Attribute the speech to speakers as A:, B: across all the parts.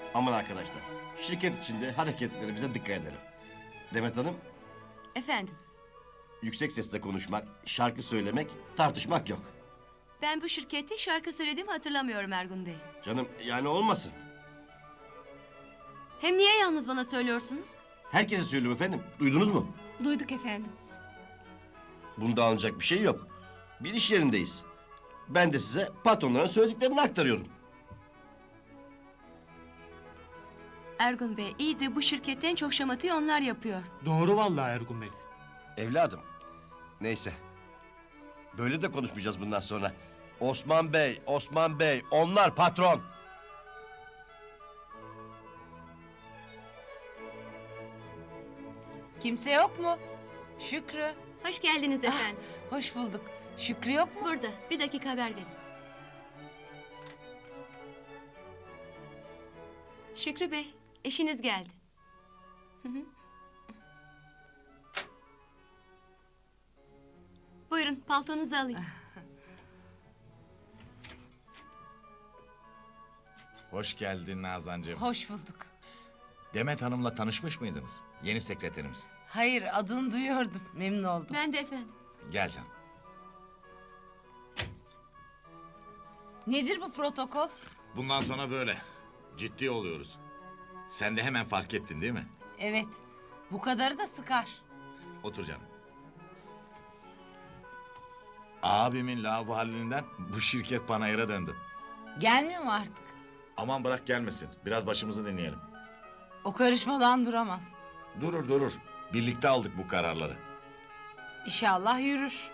A: Aman arkadaşlar, şirket içinde hareketlerimize dikkat edelim. Demet Hanım,
B: Efendim,
A: yüksek sesle konuşmak, şarkı söylemek, tartışmak yok.
B: ben bu şirkette şarkı söylediğimi hatırlamıyorum Ergun Bey.
A: Canım yani olmasın.
B: Hem niye yalnız bana söylüyorsunuz?
A: Herkese söylüyorum efendim, duydunuz mu?
B: Duyduk efendim.
A: Bunda alınacak bir şey yok. Bir iş yerindeyiz. Ben de size patronların söylediklerini aktarıyorum.
B: Ergun Bey, iyi de bu şirketten çok şamatayı onlar yapıyor.
C: Doğru vallahi Ergun Bey.
A: Evladım, neyse. Böyle de konuşmayacağız bundan sonra. Osman Bey, Osman Bey, onlar patron.
D: Kimse yok mu? Şükrü.
B: Hoş geldiniz efendim.
D: Hoş bulduk. Şükrü yok mu?
B: Burada, bir dakika haber verin. Şükrü Bey, eşiniz geldi. Hı hı. Buyurun, paltonuzu alayım.
E: Hoş geldin Nazancığım.
D: Hoş bulduk.
E: Demet Hanım'la tanışmış mıydınız? Yeni sekreterimiz.
D: Hayır, adını duyuyordum. Memnun oldum.
B: Ben de efendim.
E: Gel canım.
D: Nedir bu protokol?
E: Bundan sonra böyle. Ciddi oluyoruz. Sen de hemen fark ettin değil mi?
D: Evet. Bu kadarı da sıkar.
E: Otur canım. Abimin laubalinden bu şirket panayıra döndü.
D: Gelmiyor mu artık?
E: Aman bırak gelmesin. Biraz başımızı dinleyelim.
D: O karışmadan duramaz.
E: Durur. Birlikte aldık bu kararları.
D: İnşallah yürür.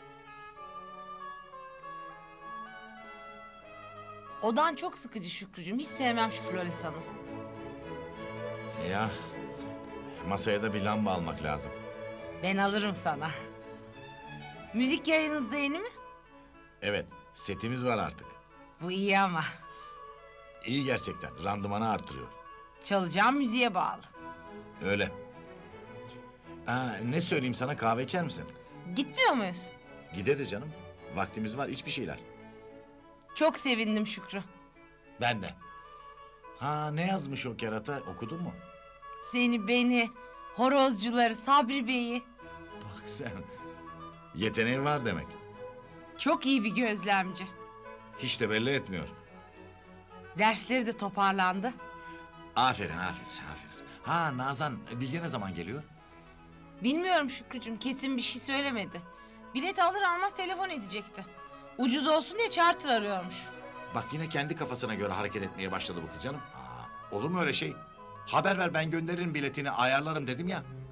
D: Odan çok sıkıcı Şükrücüğüm. Hiç sevmem şu Floresan'ı.
E: Ya masaya da bir lamba almak lazım.
D: Ben alırım sana. Müzik yayınınızda yeni mi?
E: Evet, setimiz var artık.
D: Bu iyi ama.
E: İyi gerçekten. Randımanı artırıyor.
D: Çalacağım müziğe bağlı.
E: Öyle. Ne söyleyeyim sana, kahve içer misin?
D: Gitmiyor muyuz?
E: Gideriz canım. Vaktimiz var, iç bir şeyler.
D: Çok sevindim Şükrü.
E: Ben de. Ne yazmış o kerata, okudun mu?
D: Seni, beni, horozcuları, Sabri Bey'i.
E: Bak sen. Yeteneği var demek.
D: Çok iyi bir gözlemci.
E: Hiç de belli etmiyor.
D: Dersleri de toparlandı.
E: Aferin. Nazan, Bilge ne zaman geliyor?
D: Bilmiyorum Şükrücüğüm, kesin bir şey söylemedi. Bilet alır almaz telefon edecekti. Ucuz olsun diye charter arıyormuş.
E: Bak yine kendi kafasına göre hareket etmeye başladı bu kız canım. Olur mu öyle şey? Haber ver, ben gönderirim biletini, ayarlarım dedim ya.